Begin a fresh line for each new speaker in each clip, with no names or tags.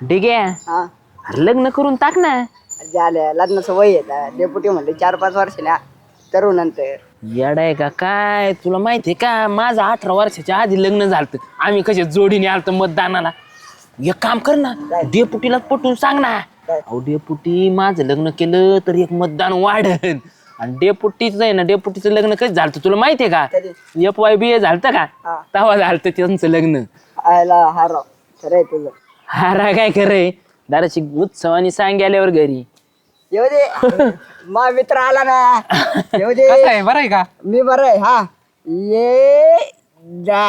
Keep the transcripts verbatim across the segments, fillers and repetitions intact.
ठीक आहे.
हा
अरे लग्न करून टाक ना.
झालं लग्नाचं वय येत डेपुटी म्हणले चार पाच वर्षाला तरुण नंतर.
येडा आहे का काय? तुला माहितीये का माझं अठरा वर्षाच्या आधी लग्न झालं. आम्ही कशा जोडीने आलतो मतदानाला. एक काम कर ना, डेपुटीला पटवून सांग ना. अहो डेपुटी माझं लग्न केलं तर एक मतदान वाढन. आणि डेपुटीच आहे ना, डेपुटीचं लग्न कधी झालं तुला माहितीये का? एफ वाय बी ए झालं का तेव्हा झालं त्यांचं लग्न.
आयला हार खरंय तुझं.
हारा काय खरंय दाराची उत्सवानी सांग आल्यावर घरी.
येऊ दे मा मित्र आला ना. येऊ दे.
कसं आहे बरं आहे का?
मी बरं आहे. हा ये जा.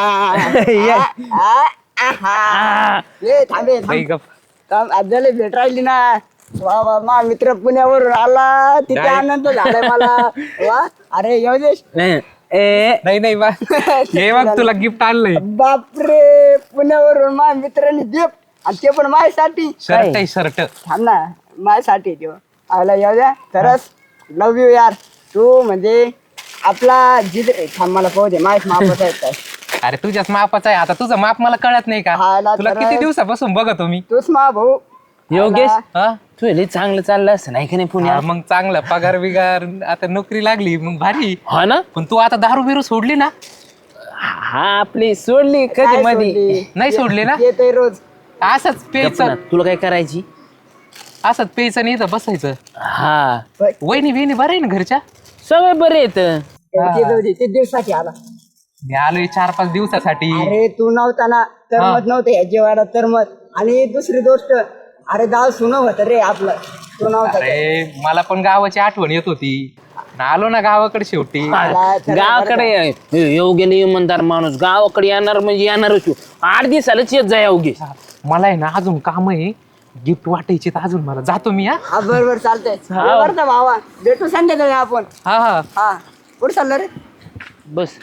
आ, आ, आहा. ये थांबे
बाई गप.
थांब आजले भेट राहिली ना. वा वा मा मित्र पुण्यावरून आला तिथे
काय?
आनंद झालाय मला. वा अरे येऊ दे.
ए
नाही नाही बा हे बघ तुला गिफ्ट आणलंय.
बापरे पुण्यावरून मा मित्रांनी गिफ्ट आणि ते पण माझ्यासाठी.
शर्ट आहे शर्ट.
थांब ना माझ्यासाठी देव आला येऊ द्या. खरंच लव यू यार. तू म्हणजे आपला जिद थांब मला पाहू दे माझ्या मापत आहे काय.
अरे तुझ्याच मापाचा आहे. आता तुझं माप मला कळत नाही का?
हा ना,
तुला
खरंच.
किती दिवसापासून बघतो मी.
तूच मा भाऊ.
योगेश
हा
तू लय चांगलं चाललं असं नाही का नाही
हा,
पुण्यात?
मग चांगलं पगार बिगार आता नोकरी लागली मग भारी.
हा ना.
पण तू आता दारू बिरू सोडली ना?
हा आपली सोडली कधी
काय
मध्ये.
सोडली?
नाही सोडली ना?
येतोय रोज.
असंच
गप्प
प्यायचं
ना, तुला काय करायची?
असंच प्यायचं नाही तर बसायचं.
हा
वहिनी बिहिणी बरं आहे ना घरच्या?
सगळे बरे येत.
ते जाऊ दे, ते दिवसाची आला.
मी आलोय चार पाच दिवसासाठी.
अरे तू नव्हता ना तरमत नव्हतं या जेवायला तरमत. आणि दुसरी गोष्ट अरे गाव सुन होत रे आपलं. तू नव्हता ते.
अरे मला पण गावाची आठवण येत होती. आलो ना गावाकडे शेवटी.
मला तर
गावाकडे येऊ गेले इमानदार माणूस गावाकडे येणार म्हणजे येणारच तू. आठ दिवसालाच येत जा योगेश.
मला आहे ना अजून काम आहे. गिफ्ट वाटायचे तर अजून मला जातो मी. हा
हा बरोबर चालतंय. बरं तर भावा भेटू संध्याकाळी आपण.
हा हा
हा कुठं चाललं रे?
बस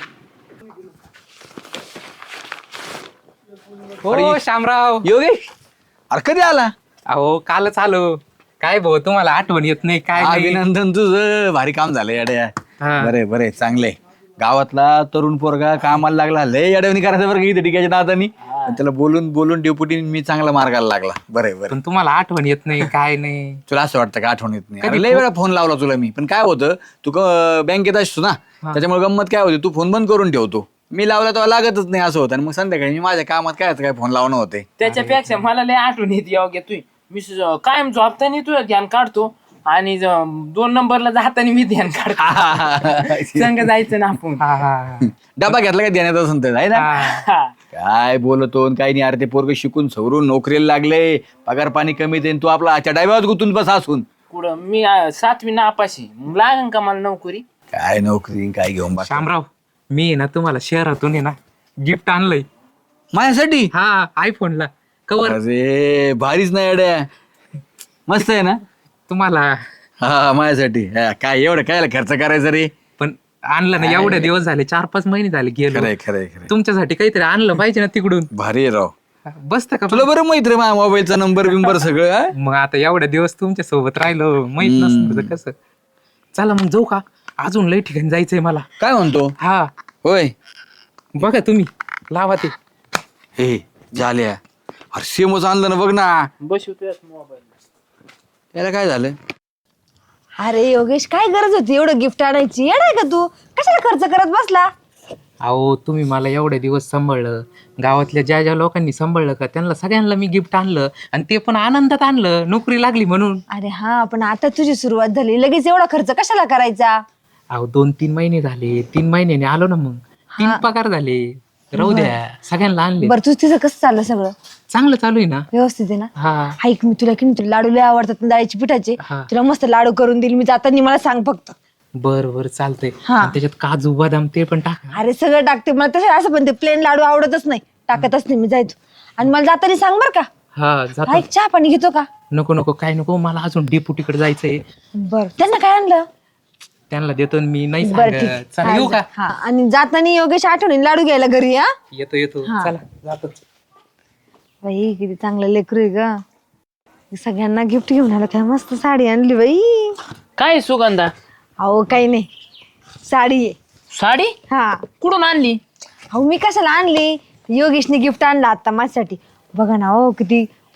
हो शामराव.
योगेश अरे कधी आला?
अहो कालच आलो. काय भाऊ तुम्हाला आठवण येत नाही काय नाही?
अभिनंदन तुझं भारी काम झालं येड्या.
हा.
बरे बरे चांगले. गावातला तरुण पोरगा कामाला लागला. लय येड्यावणी करायचं बरं का इथे टिकायच्या दादानी. पण त्याला बोलून बोलून डेपुटी मी चांगला मार्गाला लागला. बरे बरे.
पण तुम्हाला आठवण येत नाही काय नाही?
तुला असं वाटतं का आठवण येत नाही?
कधी
अरे लय वेळा फोन लावला तुला मी. पण काय होतं तू क- बँकेत असतो ना त्याच्यामुळे गंमत काय होती तू फोन बंद करून ठेवतो. मी लावला तेव्हा लागतच नाही असं होतं. आणि मग संध्याकाळी मी माझ्या कामात काय काय फोन लावणं होते.
त्याच्यापेक्षा मला लय आठवण येते योग्य तू. मी स- कायम झोपताना तुझं ध्यान काढतो आणि ज- दोन नंबरला जाताना मी ध्यान काढतो. संग जायचं ना आपण.
हा हा
डबा घेतला का देण्यात असं आहे ना?
हा.
काय बोलतो आणि काही नाही. अरे ते पोरग शिकून सवरून नोकरीला लागले. पगार पाणी कमी देईन. तू आपला आजच्या डायव्यात गुंतून बस असून
कुठं मी अं, सातवी नापाशी मग लागन का मला नोकरी?
काय नोकरी काय घेऊन बस
शामराव मी आहे ना तुम्हाला शहरातून आहे ना गिफ्ट आणलंय.
माझ्यासाठी.
हा आयफोनला कवर
अरे भारीच नाही अड्या. मस्त आहे ना.
तुम्हाला.
हा माझ्यासाठी. हा, काय एवढं काय खर्च करायचा रे.
पण आणलं ना एवढे दिवस झाले चार पाच महिने झाले गेलो.
खरंय खरंय खरंय.
तुमच्यासाठी काहीतरी आणलं पाहिजे ना तिकडून.
भारी आहे राव.
बसत का?
तुला बरं माहित रे माझ्या मोबाईलचा नंबर बिंबर सगळं. हा?
मग आता एवढ्या दिवस तुमच्या सोबत राहिलो माहित नसतं तर कसं. चला मग जाऊ का? अजून लई ठिकाणी जायचंय मला.
काय म्हणतो?
हा
होय.
बघा तुम्ही लावा ते.
हे झाल्या. अरे सेमच आणलं ना बघ ना.
बसवतोय मोबाईल.
त्याला काय झालं?
अरे योगेश काय गरज होती एवढं गिफ्ट आणायची? येणार का तू? कशाला खर्च करत बसला?
अहो तुम्ही मला एवढे दिवस सांभाळलं. गावातल्या ज्या ज्या लोकांनी सांभाळलं का त्यांना सगळ्यांना मी गिफ्ट आणलं. आणि ते पण आनंदात आणलं नोकरी लागली म्हणून.
अरे हा पण आता तुझी सुरुवात झाली लगेच एवढा खर्च कशाला करायचा?
अहो दोन तीन महिने झाले. तीन महिन्याने आलो ना मग. तीन पगार झाले. राहू द्या सगळ्यांना आणले.
बरं तुझं तिचं कसं चाललं सगळं?
चांगलं चालू आहे ना.
व्यवस्थित आहे ना?
हा
ऐक मी तुला की नाही, तुला लाडू लय आवडतात ना डाळीची पिठाचे.
हा.
तुला मस्त लाडू करून देईल मी जाताना. मला सांग फक्त.
बर बर चालतंय.
हा.
आणि त्याच्यात काजू बदाम ते पण टाका.
अरे सगळं टाकते मला तसं असं पण ते प्लेन लाडू आवडतच नाही. टाकतच नाही मी जायचो. आणि मला जाताना सांग बर का.
हा जातो.
ऐक चहा पाणी घेतो का?
नको नको काय नको. मला अजून डेपुटीकडे जायचंय.
बर त्यांना काय आणलं?
त्यांना देतो ना मी. नाही
बरं ठीक
सांगत. चला
हा,
येऊ का?
हा आणि जाताना योगेश आठवणी लाडू घ्यायला घरी. हा
येतो येतो.
हा.
चला जातो.
बाई किती चांगलं लेकरू आहे ग. सगळ्यांना गिफ्ट घेऊन आलं. काय मस्त साडी आणली बाई.
काय सुगंधा?
अहो काही नाही साडी आहे.
साडी
हा
कुठून आणली?
अहो मी कशाला आणली? योगेशने गिफ्ट आणलं आता माझ्यासाठी. बघा ना हो किती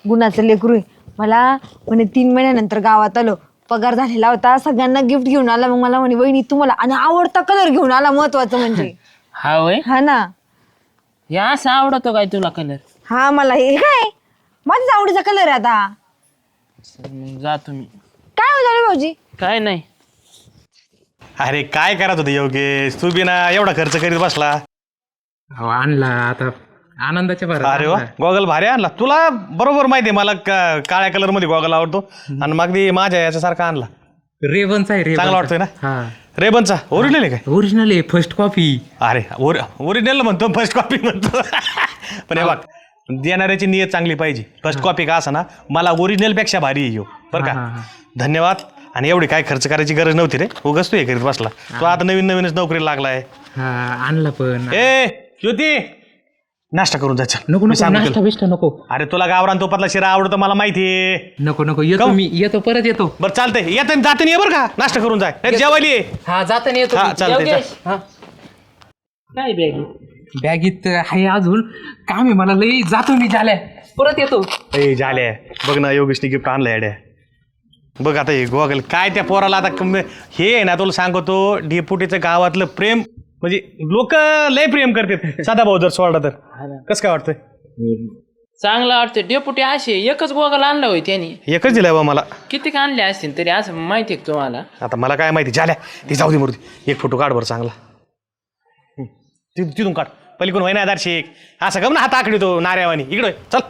गुणाचं लेकरू आहे. मला म्हणे तीन महिन्यानंतर गावात आलो, पगार झालेला होता, सगळ्यांना गिफ्ट घेऊन आला. मग मला म्हणे वहिनी तुम्हाला आणि आवडता कलर घेऊन आला, महत्वाचं म्हणजे.
हा होय,
हा ना.
हे असं आवडतो काय तुला कलर?
हा मला हे काय माझ्याच आवडीचा कलर आहे आता.
मग जा तुम्ही.
काय हो झालं भाऊजी?
काय नाही.
अरे काय करत होते योगेश, तू बी ना एवढा खर्च करीत बसला.
अहो, आणला आता आनंदाच्या भरात
अरे वा,
आणला.
गॉगल भारी आणला. तुला बरोबर माहिती आहे मला का- काळ्या कलर मध्ये गॉगल आवडतो आणि मग ती माझ्या याच्यासारखा आणला.
रेवनचा आहे.
चांगला वाटतोय ना?
हा,
रेबनचा ओरिजिनल आहे काय?
ओरिजिनल आहे, फर्स्ट कॉपी.
अरे ओरिजिनल म्हणतो, फर्स्ट कॉपी म्हणतो. पण हे बघ, देणाऱ्याची नियत चांगली पाहिजे. फर्स्ट कॉपी का असा ना, मला ओरिजिनल पेक्षा भारी आहे ह्यो, बरं
हा,
का.
हा.
धन्यवाद. आणि एवढी काय खर्च करायची गरज नव्हती रे, उगाच तू हे करीत बसला. तो आता नवीन नवीनच नोकरीला लागलाय.
हा, आणला पण.
ए ज्योती, नाश्ता करून जायचं.
नको
मी
नको,
सांगतो
नाश्ता
तुला.
बिष्टा नको.
अरे तुला गावरान तुपातला शिरा आवडतो मला माहितीये.
नको नको, येतो
काहून?
मी, येतो परत येतो.
बरं चालतंय, येतं जाते ये बरं का, नाश्ता करून जाय. नाही जेवायला ये.
हा, जाताना येतो.
हा,
मी.
चालतंय,
योगेश, हा.
काय बॅग?
बॅगीत आहे अजून काम आहे मला लई, जातो मी झाल्या, परत येतो.
ए झाले, बघ ना योगेशने गिफ्ट आणलं येड्या. बघ आता हे गोगल काय त्या पोराला आता कम- हे आहे ना, तुला सांगतो डेपुटीचं गावातलं प्रेम म्हणजे लोक लय प्रेम करतात. साधा भाऊ जर सोडला तर कसं काय वाटतंय?
चांगलं वाटतं. डेपुटी असे एकच गोगल आणला होय त्यांनी.
एकच दिलाय बा मला.
किती का आणले असतील तरी, असं माहिती आहे का तुम्हाला?
आता मला काय माहिती, झाल्या ती जाऊ दे मूर्ती. एक फोटो काढ बरं चांगला. हं, ति- तिथून काढ पलीकडून होईना आधार शेख असं गम ना, हात आखडी तो नार्यावानी. इकडे होय, चल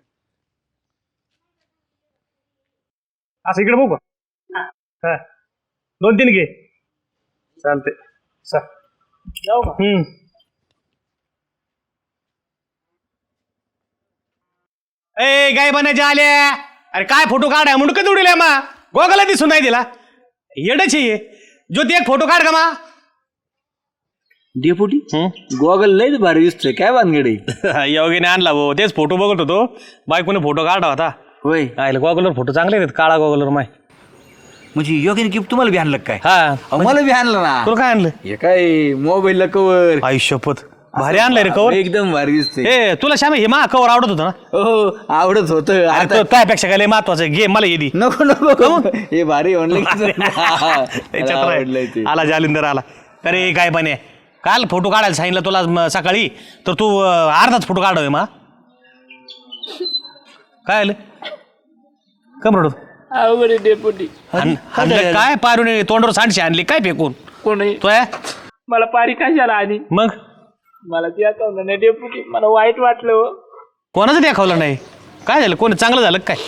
असं इकडे बघू का? हा, दोन तीन घे. चालते चल.
जाऊ का?
हम्म. ए गाय बनायच्या आल्या. अरे काय फोटो काढाय मुंडकं जोडील मा, गोगाला दिसून नाही दिला. येडच आहे. ज्योती एक फोटो काढ का मा.
डेपुटी गॉगल लयच भारी दिसतोय, काय वानगडे?
योगीने आणला भाऊ, तेच फोटो बघत होतो. बायकोने फोटो काढला होता.
होय,
आयला गॉगलवर फोटो चांगले आहेत, काळा गॉगलवर माय.
म्हणजे योगीने गिफ्ट तुम्हाला बी आणलं काय?
हा,
अहो, मला बी आणलं ना.
तुला काय आणलं?
हे काय मोबाईलला कवर
आयुष्यपत भारी आणलंय रे कवर.
एकदम भारी दिसतंय.
ए तुला श्यामे हे मा कवर आवडत होतं ना?
हो आवडत होत.
अरे त्यापेक्षा काय लय महत्वाचं आहे, घे मला येदी.
नको नको, हे भारी म्हणलं की
त्याच्यात
आवडलंय ते.
आला जालिंदर आला. अरे काय पण आहे, काल फोटो काढायला सांगितलं तुला म- सकाळी, तर तू अं, अर्धाच फोटो काढावे मा. काय आलं कम रडू?
अवघड आहे डेपुटी.
आणलं काय पारून तोंडावर सांडशे आणली काय फेकून
कोणी
तो आहे?
मला पारी कशाला आली?
मग
मला ती आठवलं नाही डेपुटी, मला वाईट वाटलं हो.
कोणाचं दाखवलं नाही? काय झालं, कोण चांगलं झालं का काय?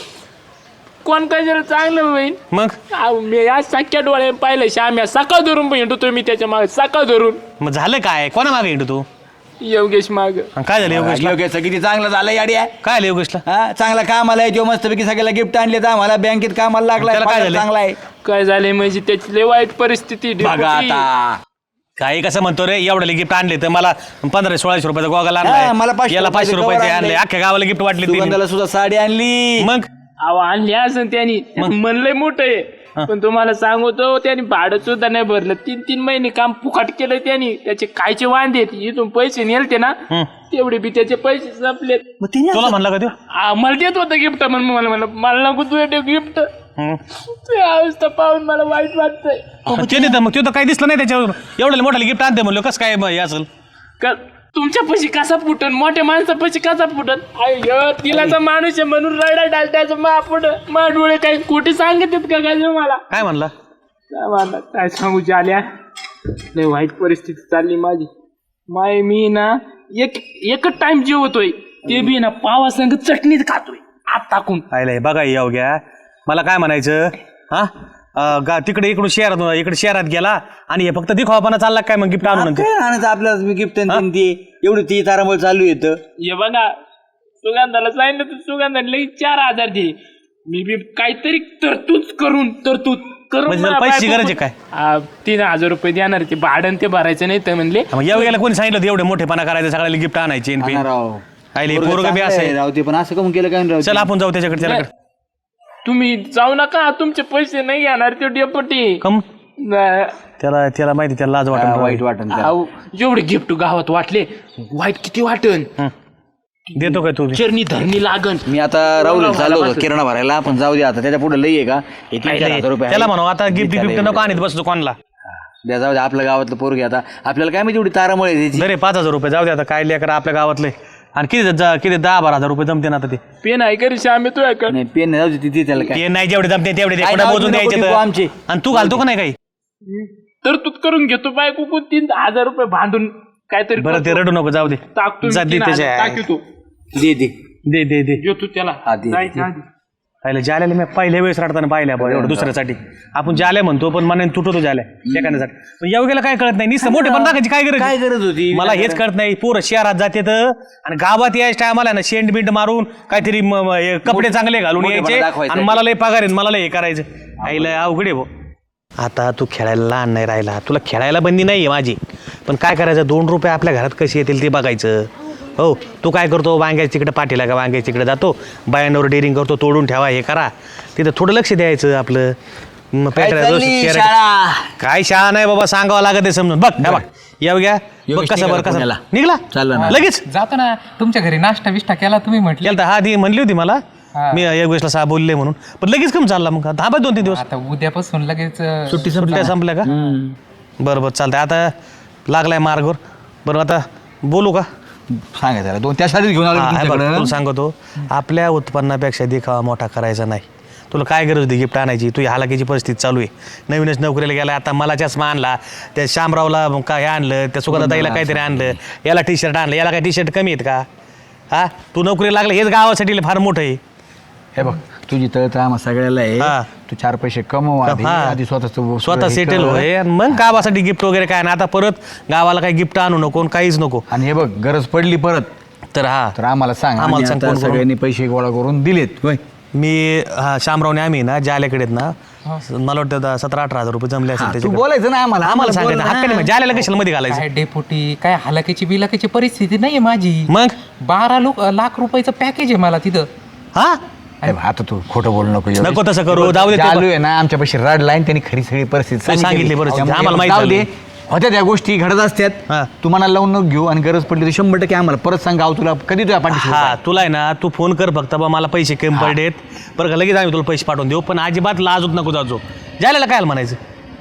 कोण काय झालं चांगलं होईल?
मग
अहो, मी आज सख्या डोळ्याने पाहिलं श्याम्या, सकाळ धरून हिंडतो मी त्याच्या मागे, सकाळ धरून.
मग झालं काय, कोणा मागे हिंडू तू?
योगेश माग.
आणि काय झालं योगेशला?
योगेश किती चांगलं झालं याड्या.
काय झालं योगेशला?
हा चांगला कामाला आहे तो, मस्तपैकी सगळ्याला गिफ्ट आणले तर आम्हाला बँकेत कामाला लागलाय.
त्याला काय
पगार
झालं?
चांगला आहे
काय झाले म्हणजे त्याची लय वाईट परिस्थिती
बघा
डेपुटी.
आता.
काही कसं म्हणतो रे, एवढे गिफ्ट आणले तर मला पंधरा सोळाशे रुपयाचा गॉगल
हा,
आणलाय,
मला पाचशे
याला पाचशे
रुपयाचं
रुपयाचे
cover
आणले,
आणलंय.
अख्ख्या गावाला गिफ्ट वाटले तिने.
सुगंधाला सुद्धा साडी आणली.
मग
अहो आणली असं त्यांनी, म्हणलंय मोठं आहे. पण तुम्हाला सांगतो त्यांनी भाडं सुद्धा नाही भरलं. तीन तीन महिने काम फुकट केलं त्यांनी. त्याचे कायचे वांदे आहेत, इथून पैसे नेलते ना तेवढे बी त्याचे पैसे संपलेत.
तुला म्हणला का तो?
आ, मला देत होतं गिफ्ट, म्हणून मला म्हणलं मला नको तू गिफ्ट. तुझी अवस्था पाहून मला वाईट वाटतंय.
ते नाही तर मग तो तर काही दिसलं नाही त्याच्यावर. एवढ्या मोठ्याला गिफ्ट आणते म्हणलं, कसं काय हे असेल?
का तुमच्या पैसे कसा फुटन, मोठ्या माणसा पैसे कसा फुटन? अय्यो तिलाचा माणूस आहे म्हणून रडा डालतायचं मा फुट मा डोळे काही खोटे सांगतात का काय मला?
काय म्हणला?
काय म्हणला काय सांगू आल्या, लय वाईट परिस्थिती चालली माझी. माय मी ना एक एकच टाइम जेवतोय, ते बी ना पावा संग चटणीत खातोय आत टाकून.
आयला हे बघा येऊ घ्या, मला काय म्हणायचं हा, अं, गा- तिकडे इकडून शहरात इकडे शहरात गेला आणि हे फक्त दिखावापणा चालला काय मग गिफ्ट आणून?
काय आणायचं आपल्याला मी गिफ्ट ते एवढी ती तारांबळ चालू येतं.
हे बघा सुगंधाला सांगितलं तर सुगंधाने लगेच चार हजार दिले. मी बी काहीतरी तरतूद करून तरतूद करून
म्हणजे
मला
पैशाची
बायको-
गरज आहे काय?
आ, तीन हजार रुपये देणार ते भाडं ते भरायचं नाही तर म्हणले.
मग येऊ गेला कोणी सांगितलं होतं एवढे मोठेपणा करायचं, सगळ्याला गिफ्ट आणायचे?
आणा राव.
आयले
पोरगं
पोरग बी
चांगलं
असं
आहे
आहे.
राव ते, पण असं कम केलं काय राव?
चल आपण जाऊ त्याच्याकडे त्याच्याकडे.
तुम्ही जाऊ नका, तुमचे पैसे नाही येणार ते डेपुटी.
कम
न-
त्याला त्याला माहिती, त्याला लाज
हा,
वाटत
वाईट वाटन त्याला.
अहो, जेवढे गिफ्ट गावात वाटले वाईट किती वाटन.
देतो काय तू बी?
चरणी धरणी लागन.
मी आता राहुल चाललो होतो किराणा भरायला, पण जाऊ दे आता, त्याच्या पुढे लई आहे का हे तीन चार हजार रुपये
त्याला
आहे.
म्हणू आता गिफ्ट
त्याला
गिफ्ट नको आणत बसतो कोणाला.
द्या, जाऊ दे, आपल्या गावातलं पोरगी आता आपल्याला काय माहिती एवढी तारामुळे द्यायची.
बरे पाच हजार रुपये जाऊ दे आता, काय लेकर आपल्या गावातले. आणि किती जा- किती दहा बारा हजार रुपये जमते ना आता ते.
पेन आहे का रे श्यामे तू ऐक.
नाही पेन नाही, जाऊ दे तिथे त्याला काय
ते नाही जेवढे जमते तेवढे ते
काय
कुठे
नाव
मोजून
नको
द्यायचे
टिपू
तर.
आमचे.
आणि तू घालतो का नाही काही.
तर तूच करून घेतो बायको कोण तीन हजार रुपये भांडून काहीतरी
बरं ते रडू नको, जाऊ दे.
टाकतो
जा दे
तीन हजार
त्याच्या
टाकी तू
दे दे
दे दे दे
घेतो त्याला
हा, दे,
जायच्या आधी.
पाहिलं जाल्याला मी पहिल्या वेळेस रडताना पाहिल्या बा एवढं दुसऱ्यासाठी. आपण जाल्या म्हणतो पण मनाने तुटतो जाल्या एखाद्यासाठी. पण येवग्याला काय कळत नाही, नुसतं मोठे पण टाकायची काय गरज
काय
आहे?
गरज होती?
मला हेच कळत नाही. पोरं शहरात जाते तर आणि गावात यायच्या टायमाला ना शेंट बिंट मारून काहीतरी म- म- हे कपडे चांगले घालून
मोठेपणा
यायचे
दाखवायचा.
आणि मला लय पगार आहे, मला लय हे करायचं. आईला अवघड आहे भाऊ. आता तू खेळायला लहान नाही राहिला, तुला खेळायला बंदी नाही आहे माझी. पण काय करायचं, दोन रुपये आपल्या घरात कसे येतील ते बघायचं. हो तू काय करतो, वांग्याच्या तिकडे पाठीला का वांग्याच्या तिकडे जातो, बायांवर डेअरिंग करतो, तोडून ठेवा हे करा. तिथं थोडं लक्ष द्यायचं आपलं. मग
काय
पेटरा-
चालली
रोज-
शाळा?
काय शाळा नाही बाबा, सांगावं लागत आहे समजून. बघ हे बघ येऊ घ्या बघ
योगेश
कसं बरं
निघाला
कसं
पुण्याला.
निघला
चाललं ना.
लगेच
जातो ना तुमच्या घरी नाश्ता बिष्टा केला तुम्ही म्हटले.
केलं हा ती म्हणली होती मला,
हा.
मी एक वेळेसला सहा बोलले म्हणून. पण लगेच कम चालला मग थांबा दोन तीन दिवस.
आता उद्यापासून लगेच अं,
सुट्टी सुट्ट्या संपल्या का? बरं बरं चालतंय. आता लागलाय मार्गवर. बरं आता बोलू का?
सांगा त्याला दोन त्यासाठीच घेऊन आलो
हा, हे बघ,
तुमच्याकडं.
तुला सांगतो, आपल्या उत्पन्नापेक्षा देखावा मोठा करायचा नाही. तुला काय गरज होती गिफ्ट आणायची? तू हालाकीची परिस्थिती चालू आहे. नवीनच नोकरीला गेला, आता मला चष्मा आणला, त्या शामरावला काय आणलं, त्या सुगंधाताईला काहीतरी आणलं, याला टी शर्ट आणलं, याला काय टी शर्ट कमी आहेत का? हा तू नोकरी लागला हेच गावासाठी फार मोठं आहे.
हे बघ तुझी तळतळ आम्हा सगळ्याला आहे.
हा.
तू चार पैसे कमव आधी,
हा.
आधी स्वतः
स्वतः सेटल होय आणि मग गावासाठी गिफ्ट वगैरे काय ना. आता परत गावाला काही गिफ्ट आणू नको आणि काहीच नको.
आणि हे बघ गरज पडली परत
तर हा
तर आम्हाला सांग.
आम्हाला
आम्ही
सांग
आता
कोण कोण-
सगळ्यांनी पैसे गोळा करून दिलेत होय.
मी हा शामरावने आम्ही ना जाल्याकडे आहेत ना, मला वाटतं दा- सतरा अठरा हजार रुपये जमले
हा,
असेल
तू
त्याच्याकडे.
बोलायचं ना आम्हाला
आम्हाला सांगायचं
बोल ना.
हक्काने मग जाल्याला कशाला मध्ये घालायचं.
काय डेपुटी काय हलाकीची बिलाकीची परिस्थिती नाहीये माझी.
मग
बारा लोक लाख रुपयाचं पॅकेज आहे मला तिथं.
हा
हे बघ, आता तू खोटं बोलू नको एवढं.
नको तसं करू, जाऊ दे ते
चालू आहे ना आमच्या पैसे रडला आणि त्यांनी खरी सगळी परिस्थिती
सांगितली परिस्थिती.
त्यामुळे
आम्हाला माहिती
जाऊ दे.
झाली.
होत्या त्या गोष्टी घडत असतात.
हा.
तू मनाला लावून नको घेऊ आणि गरज पडली तर शंभर टक्के आम्हाला परत सांग. गाव तुला कधी तुझ्या पाठीशी
हा तुला आहे ना, तू फोन कर फक्त बा मला पैसे कमी पडलेत बरं का, लगेच आम्ही तुला पैसे पाठवून देऊ. पण अजिबात लाजूत नको जाजो. जाल्याला काय म्हणायचं.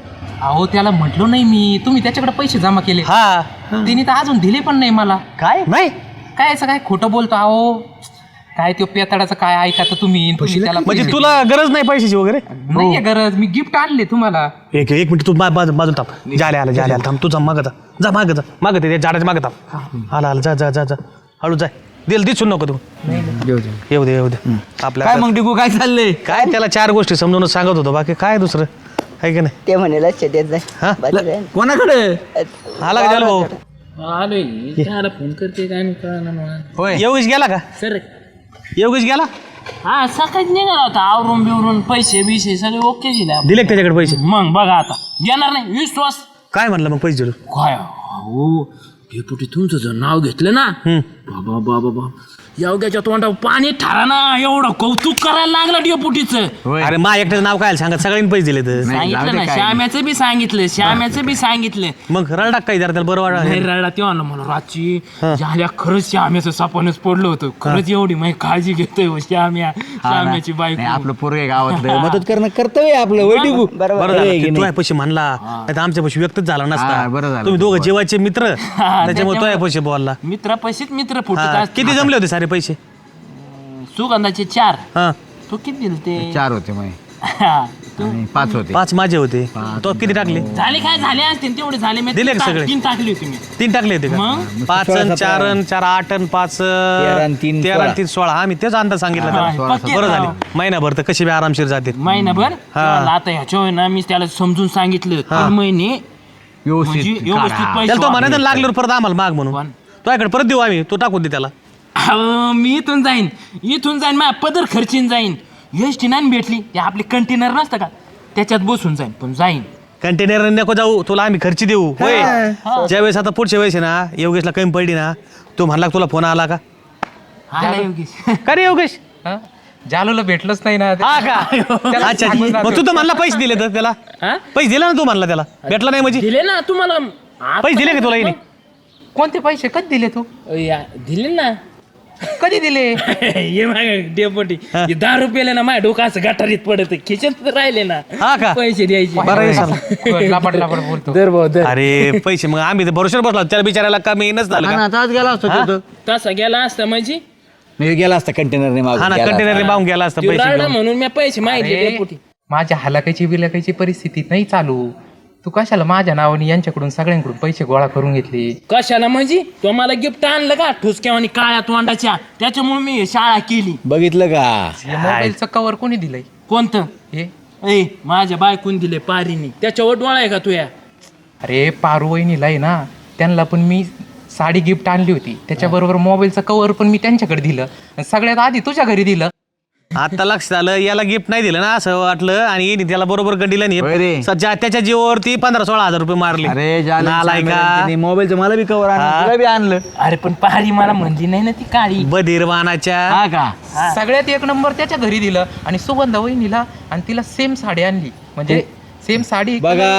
अहो त्याला म्हटलो नाही मी, तुम्ही त्याच्याकडे पैसे जमा केले.
हा
तिने तर अजून दिले पण नाही मला.
काय नाही
काय असं काय खोटं बोलतो अहो. काय तो पेताडाचं काय ऐका तर तुम्ही तुम्ही त्याला
म्हणजे
पैसे
तुला गरज नाही पैशाची वगैरे.
दिले. नाहीये गरज, मी गिफ्ट आणले तुम्हाला.
एक एक मिनिट तू मा- बाजू बाजून थांब. जाल्या आला जाल्या आला थांब. तू जा मागं जा जा मागं जा मागं ते झाडाच्या मागं थांब. आला आला जा जा जा जा हळू जाय. दिल दिसून नको तू. येऊ दे येऊ दे आपल्या
काय मग टिकू काय चाललंय?
काय त्याला चार गोष्टी समजूनच सांगत होतो, बाकी काय दुसरं आहे की नाही.
ते म्हणे लक्ष देत
हा?
जाय बाकी काय नाही.
कोणाकडे
आला का झालं भाऊ.
आलोय त्याला फोन करते काय नाही कळलं मला.
होय
योगेश गेला का?
सर
योगेश गेला.
हा सकाळीच निघाला होता आवरून बिवरून पैसे बिसे सगळे ओके दिले.
दिले का त्याच्याकडे पैसे?
मग बघा आता घेणार नाही विश्वास
काय म्हणलं मग पैसे दिलं?
काय हो डेपुटी तुमचं जर नाव घेतलं ना बाबा बाबा बाबा योग्याच्या तोंडावर पाणी ठरा ना, एवढं कौतुक करायला लागलं डेपुटीचं.
होय.
अरे मा एकट्याचं नाव काय सांगत, सगळ्यांनी पैसे दिले तर.
सांगितलं ना, श्याम्याचं बी सांगितलं श्याम्याचं बी सांगितलं.
मग रडा काय जरा त्याला बरं
नाही
वाटत.
रडला तेव्हा ना मला रातची झाल्या खरंच श्याम्याचं सापणच पडलं होतं. खरंच एवढी माझी काळजी घेतोय हो श्याम्या श्याम्याची
नाही,
बायको.
आपलं पोरगे गावातलं मदत करणं कर्तव्य आहे आपलं. होय टिकू
बरोबर
बरं झालं
आहे की
की तू
नाही?
पैसे म्हणला, नाही तर आमच्या पैसे व्यक्तच झाला
हा,
नसता.
बरं झालं.
तुम्ही दोघं जेवायचे मित्र, त्याच्यामुळे
त्याच्यामुळे-
तो पैसे बोलला.
मित्र पैसेच मित्र फुटत
हा,
असतात.
किती जमले होते सारे पैसे?
सुगंधाचे चार.
हा
तू किती दिले ते?
चार होते मग
हा, तू
आणि पाच होते.
पाच माझे होते. तो किती टाकले?
झाले काय झाले असतील तेवढे झाले मी
दिले
तीन
का
टाक-
सगळे?
तीन टाकली होती मी.
तीन टाकले होते का?
मग
पाच अन चार अन चार आठ अन पाच
तेरा अन तीन
तेरा
सोळा.
अन तीन सोळा. हा मी तेच अंदाज सांगितला
हा,
त्याला.
पक्के
बरं
राव.
झाले महिनाभर तर कशी बी आरामशीर जाते.
महिनाभर तेव्हा आता ह्याच्या ना मी त्याला समजून सांगितलं तीन महिने म्हणजे
व्यवस्थित
व्यवस्थित
काढा.
पैसे
त्याला तो
वापरायचे.
म्हणायचं लागल्यावर परत आम्हाला माग म्हणून
पण?
तुझ्याकडे परत देऊ आम्ही, तो टाकून दे त्याला.
अहो, मी इथून जाईन इथून जाईन माझ्या पदर खर्चीन जाईन. एस टी नाही भेटली ते आपले कंटेनर नसतं का त्याच्यात बसून जाईन पण जाईन.
कंटेनर नको जाऊ, तुला आम्ही खर्ची देऊ. होय ज्यावेळेस आता पुढच्या वेळेस आहे ना योगेशला कमी पडली ना, तो म्हणला तुला फोन आला का?
आला योगेश.
का रे योगेश?
हा? जालूला भेटलंच नाही ना.
हा का?
त्याला
अच्छा
सांगून
मग तू तर म्हणला पैसे दिले तर त्याला.
हा?
पैसे दिले ना तू म्हणला त्याला, भेटला नाही म्हणजे
दिले ना तुम्हाला.
पैसे दिले का तुला हिने?
कोणते पैसे कधी दिले तू?
या, दिले ना
कधी दिले
ये मागे डेपोटी हे दहा रुपयाला ना माझ्या डोकं असं गटारीत पडत खिचत राहिले ना
हा का?
पैसे द्यायचे
बरं आहे चला.
लापट लापट बोलतो
दर भाऊ दर
अरे पैसे मग आम्ही बरोबर बसलो त्याला बिचारायला कमी येणंच झालं का?
आता आज गेला असतो तो.
तसा गेला असता म्हणजे
मी गेला असता कंटेनरने
हा ना
मागून
कंटेनर मागून गेला असता
त्यो
पैसे
राहिला
घेऊन.
म्हणून मी पैसे मागितले
अरे,
डेपुटी
माझ्या हलाकायची बिलाकायची परिस्थिती नाही चालू तू कशाला माझ्या नावाने यांच्याकडून सगळ्यांकडून पैसे गोळा करून घेतले
कशाला म्हणजे तो मला गिफ्ट आणलं का ठुसक्या आणि काळ्या तोंडाच्या त्याच्यामुळे मी शाळा केली
बघितलं का
या मोबाईलचं कव्हर कोणी दिलंय
कोणतं
हे
ए माझ्या बायकून दिले पारीनी त्याच्यावर डोळा आहे का तुया
अरे पारू वहिनीला आहे ना त्यांना पण मी साडी गिफ्ट आणली होती त्याच्याबरोबर मोबाईलचं कव्हर पण मी त्यांच्याकडे दिलं आणि सगळ्यात आधी तुझ्या घरी दिलं
आता लक्षात आलं याला गिफ्ट नाही दिलं ना असं वाटलं आणि येणे त्याला बरोबर गंडीला
होय रे.
नाही सध्या त्याच्या जीवावरती पंधरा सोळा हजार रुपये मारले
अरे
नालाय का
मोबाईलचं मला बी कवर आणलं तुला बी आणलं
अरे पण पारी मला म्हणली नाही ना ती काळी
बधीरवानाच्या
हा का
सगळ्यात एक नंबर त्याच्या घरी दिलं आणि सुगंधा वहिनीला आणि तिला सेम साडी आणली म्हणजे सेम साडी
बघा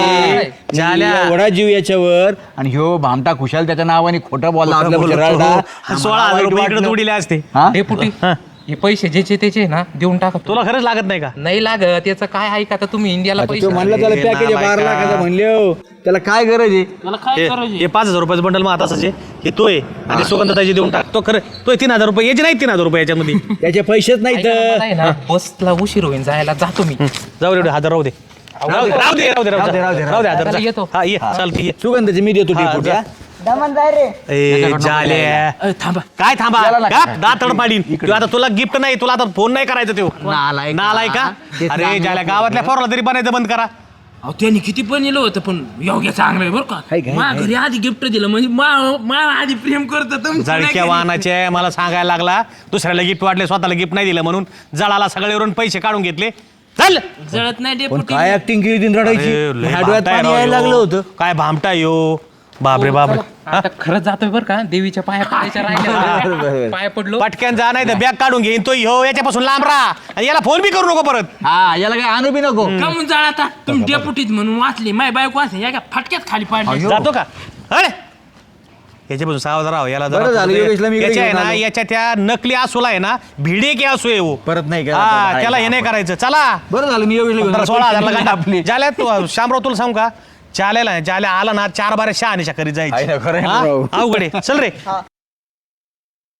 झाल्या.
एवढा जीव याच्यावर आणि ह्यो भामटा खुशाल त्याच्या नावाने खोटं बोलला आपल्या शरीराला.
सोळा हजार रुपये इकडे उडीले असते
हा?
डेपुटी हे पैसे ज्याचे त्याचे ना देऊन टाका
तुला खरंच लागत नाही का
नाही लागत याचं काय ऐका आता तुम्ही इंडियाला
आता
पैसे
तो म्हणला त्याला पॅकेज
नालायका.
बारा लाखाचा म्हणले हो. त्याला काय गरज आहे
मला काय
हे
करायचे
हे पाच हजार रुपयाचं बंडल मग आता आहे हे तो आहे आणि सुगंधताची देऊन टाक तो खरं तो आहे तीन हजार रुपये याचे नाही तीन हजार रुपये याच्यामध्ये
त्याचे पैसेच नाही
ऐका ना,
तर
मला आहे ना बसला उशीर होईल जायला जातो मी
जाऊ दे हजार राहू दे राहू दे राहू दे राहू दे राहू दे राहू दे राहू दे हजार
चला,
जा.
येतो.
हा ये चालते ये
सुगंधाचे मी देतो
हा,
डेपुटी,
जा.
हा.
दमन जाय रे
ए जाल्या
अ, थांबा
काय थांबा का दातड पाडीन तू आता तुला गिफ्ट नाही तुला आता फोन नाही करायचा तो
नालायका.
नालाय का
ते
अरे
चांगलं
जाल्या गावातल्या पोराला तरी बनायचं बंद करा
अहो त्यांनी किती पण नेलं होतं पण योग्य चांगलं आहे बरं
हाय
का
का,
मा घरी आधी गिफ्ट दिलं म्हणजे मा मा आधी प्रेम करत
जळक्या वाहनाचे मला सांगायला लागला दुसऱ्याला गिफ्ट वाटले स्वतःला गिफ्ट नाही दिलं म्हणून जळाला सगळेवरून पैसे काढून घेतले चल
जळत नाही
पण
डेपुटी
काय ऍक्टिंग केली तीन रडायची
अरे, लय
माझ्या डोळ्यात
भामटा आहे
पाणी
राव
यायला
ह्यो.
लागलं होतं
काय भामटा यो बापरे बापरे
आता खरंच जातोय बरं का देवीच्या पाया पडायच्या राहिल्या पाया पडलो
पटक्यान जा नाही तर बॅग काढून घेईन तो ह्यो याच्यापासून लांब राहा आणि याला फोन बी करू नको परत
हा याला काय आणू बी नको
का म्हणून जाळता तुम्ही डेपुटीत म्हणून वाचली माय बायको वाचली या का फटक्यात खाली पाडली
जातो का अरे याच्यापासून सावध राहा याला जरा
बरं झालं,
थोडं-
योगेशला मी इकडे
याच्या आहे
घेऊन
ना
आलो.
याच्या त्या नकली आसूला आहे ना भिडे की आसू आहे हो.
परत नाही का
हा त्याला हे नाही करायचं चला
बरं झालं मी एवढी
पंधरा सोळा हजारला गांडा ज्याला तू शामराव तुला सांगू का ज्याला ज्याला आला ना चार बारा शहा आणि करीत
आहे ना,
जायची
खरं आहे ना
हा?
राव.
अवघड आहे चल रे